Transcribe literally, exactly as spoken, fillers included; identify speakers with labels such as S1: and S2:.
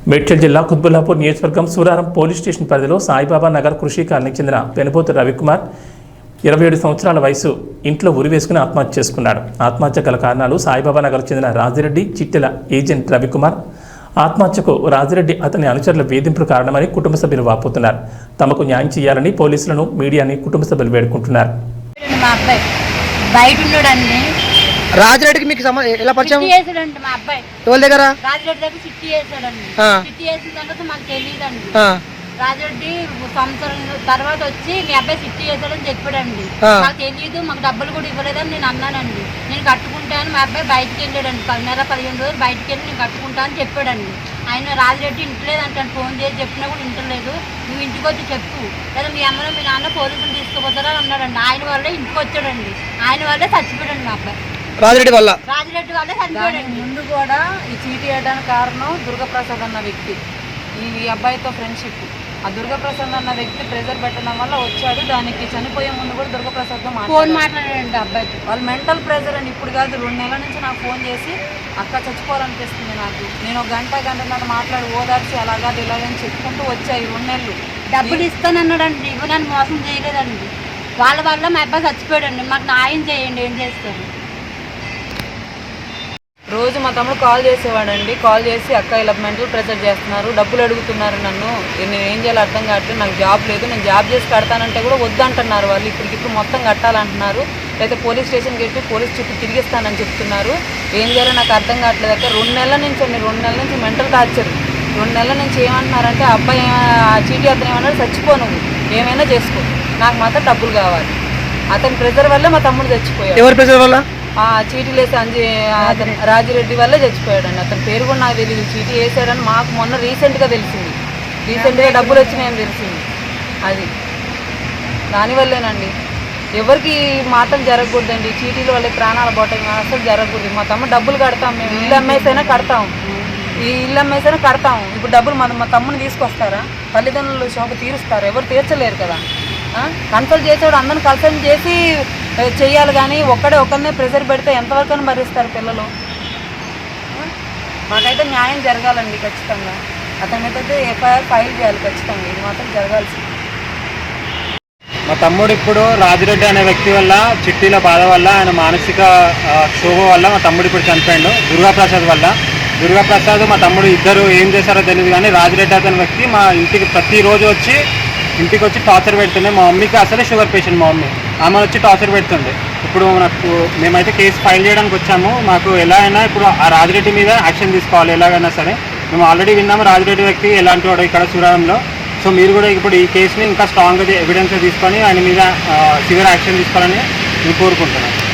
S1: మేడ్చల్ జిల్లా కుత్బుల్లాపూర్ నియోజకవర్గం Suraram police station పరిధిలో సాయిబాబా నగర్ కృషి కాలనీకి చెందిన పెనుపోతు రవికుమార్ ఇరవై ఏడు సంవత్సరాల వయసు ఇంట్లో ఉరి వేసుకుని ఆత్మహత్య చేసుకున్నాడు. ఆత్మహత్య గల కారణాలు సాయిబాబా నగర్ చెందిన రాజిరెడ్డి చిట్టెల ఏజెంట్ రవికుమార్ ఆత్మహత్యకు రాజిరెడ్డి అతని అనుచరుల వేధింపులు కారణమని కుటుంబ సభ్యులు వాపోతున్నారు. తమకు న్యాయం చేయాలని పోలీసులను మీడియాని కుటుంబ సభ్యులు వేడుకుంటున్నారు.
S2: రాజిరెడ్డికి మీకు ఎలా పరిచయం?
S3: మా అబ్బాయి
S2: ఎవరి దగ్గర?
S3: రాజిరెడ్డి దగ్గర చిట్టి వేసాడండి. చిట్టి వేసిన తర్వాత మాకు తెలియదండి. రాజిరెడ్డి సంవత్సరం తర్వాత వచ్చి మీ అబ్బాయి చిట్టి వేసాడని చెప్పాడండి. మాకు తెలియదు, మాకు డబ్బులు కూడా ఇవ్వలేదని నేను అన్నానండి. నేను కట్టుకుంటాను, మా అబ్బాయి బయటకు వెళ్ళాడండి. నెల పదిహేను రోజులు బయటకు వెళ్ళి నేను కట్టుకుంటా అని చెప్పాడండి. ఆయన రాజిరెడ్డి ఇంటలేదంటాను, ఫోన్ చేసి చెప్పినా కూడా ఇంటలేదు. నువ్వు ఇంటికి వచ్చి చెప్పు, లేదా మీ అమ్మలో మీ నాన్న పోలీసులు తీసుకుపోతారా అన్నాడండి. ఆయన వల్లే ఇంటికి వచ్చాడండి, ఆయన వల్లే చచ్చిపోయాడండి మా అబ్బాయి.
S2: రాజిరెడ్డి వల్ల
S3: రాజిరెడ్డి వల్లే చచ్చిపోయాడండి.
S4: ముందు కూడా ఈ చీటీ వేయడానికి కారణం దుర్గప్రసాద్ అన్న వ్యక్తి. ఈ అబ్బాయితో ఫ్రెండ్షిప్. ఆ దుర్గప్రసాద్ అన్న వ్యక్తి ప్రెజర్ పెట్టడం వల్ల వచ్చాడు. దానికి చనిపోయే ముందు కూడా దుర్గప్రసాద్తో
S3: ఫోన్ మాట్లాడాడండి అబ్బాయితో.
S4: వాళ్ళు మెంటల్ ప్రెజర్ అని ఇప్పుడు కాదు, రెండు నెలల నుంచి నాకు ఫోన్ చేసి అక్క చచ్చిపోవాలనిపిస్తుంది నాకు, నేను ఒక గంట గంటన్నర మాట్లాడి ఓదార్చి అలాగా ఇలాగని చెప్పుకుంటూ వచ్చాయి రెండు నెలలు.
S3: డబ్బులు ఇస్తానన్నాడండి, ఇవ్వనని మోసం చేయలేదండి. వాళ్ళ వల్ల మా అబ్బాయి చచ్చిపోయాడండి. మాకు న్యాయం చేయండి, ఏం చేస్తారు?
S4: రోజు మా తమ్ముడు కాల్ చేసేవాడండి. కాల్ చేసి అక్క ఇలా మెంటల్ ప్రెజర్ చేస్తున్నారు, డబ్బులు అడుగుతున్నారు నన్ను, నేను ఏం చేయాలో అర్థం కావట్లేదు, నాకు జాబ్ లేదు, నేను జాబ్ చేసి కడతానంటే కూడా వద్దంటున్నారు వాళ్ళు. ఇప్పటికిప్పుడు మొత్తం కట్టాలంటున్నారు, లేకపోతే పోలీస్ స్టేషన్కి వెళ్ళి పోలీస్ చుట్టూ తిరిగిస్తానని చెప్తున్నారు. ఏం చేయాలో నాకు అర్థం కావట్లేదు అక్క. రెండు నెలల నుంచి అండి, రెండు నెలల నుంచి మెంటల్ టార్చర్. రెండు నెలల నుంచి ఏమంటున్నారంటే అబ్బాయి ఆ చీటీ అతను ఏమన్నాడు, చచ్చిపో, నువ్వు ఏమైనా చేసుకో, నాకు మాత్రం డబ్బులు కావాలి. అతని ప్రెజర్ వల్లే మా తమ్ముడు చచ్చిపోయాడు.
S2: ఎవరి ప్రెజర్ వల్ల?
S4: చీటీ వేసి అంజి అతను రాజిరెడ్డి వల్లే చచ్చిపోయాడండి. అతని పేరు కూడా నాకు తెలియదు. చీటీ వేసాడని మాకు మొన్న రీసెంట్గా తెలిసింది. రీసెంట్గా డబ్బులు వచ్చినాయని తెలిసింది. అది దానివల్లేనండి. ఎవరికి మాత్రం జరగకూడదండి, చీటీల వల్లే ప్రాణాలు పోవటం అసలు జరగకూడదు. మా తమ్ముడు డబ్బులు కడతాం, మేము ఇల్లు అమ్మేసైనా కడతాం, ఈ ఇల్లు అమ్మేసైనా కడతాం. ఇప్పుడు డబ్బులు మన మా తమ్ముని తీసుకొస్తారా? తల్లిదండ్రులు శోభ తీరుస్తారు? ఎవరు తీర్చలేరు కదా. కన్సల్ట్ చేసేవాడు అందరిని కన్సల్ట్ చేసి చెయ్యాలి, కానీ ఒక్కడే ఒక్కరినే ప్రెషర్ పెడితే ఎంతవరకు భరిస్తారు పిల్లలు? మాకైతే న్యాయం జరగాలండి ఖచ్చితంగా. అతని మీద అయితే ఎఫ్ఐఆర్ ఫైల్ చేయాలి ఖచ్చితంగా, ఇది మాత్రం జరగాల్సింది.
S5: మా తమ్ముడు ఇప్పుడు రాజిరెడ్డి అనే వ్యక్తి వల్ల, చిట్టీల బాధ వల్ల, ఆయన మానసిక క్షోభ వల్ల మా తమ్ముడు ఇప్పుడు చనిపోయాడు. దుర్గాప్రసాద్ వల్ల. దుర్గాప్రసాద్ మా తమ్ముడు ఇద్దరు ఏం చేశారో తెలియదు, కానీ రాజిరెడ్డి అనే వ్యక్తి మా ఇంటికి ప్రతిరోజు వచ్చి ఇంటికి వచ్చి టార్చర్ పెడుతుండే. మా మమ్మీకి అసలే షుగర్ పేషెంట్, మా మమ్మీ ఆమె వచ్చి టార్చర్ పెడుతుంది. ఇప్పుడు నాకు మేమైతే కేసు ఫైల్ చేయడానికి వచ్చాము. మాకు ఎలా అయినా ఇప్పుడు ఆ రాజిరెడ్డి మీద యాక్షన్ తీసుకోవాలి ఎలాగైనా సరే. మేము ఆల్రెడీ విన్నాము రాజిరెడ్డి వ్యక్తి ఎలాంటి వాడు ఇక్కడ సూరారంలో. సో మీరు కూడా ఇప్పుడు ఈ కేసుని ఇంకా స్ట్రాంగ్గా ఎవిడెన్స్ తీసుకొని ఆయన మీద సివియర్ యాక్షన్ తీసుకోవాలని నేను కోరుకుంటున్నాను.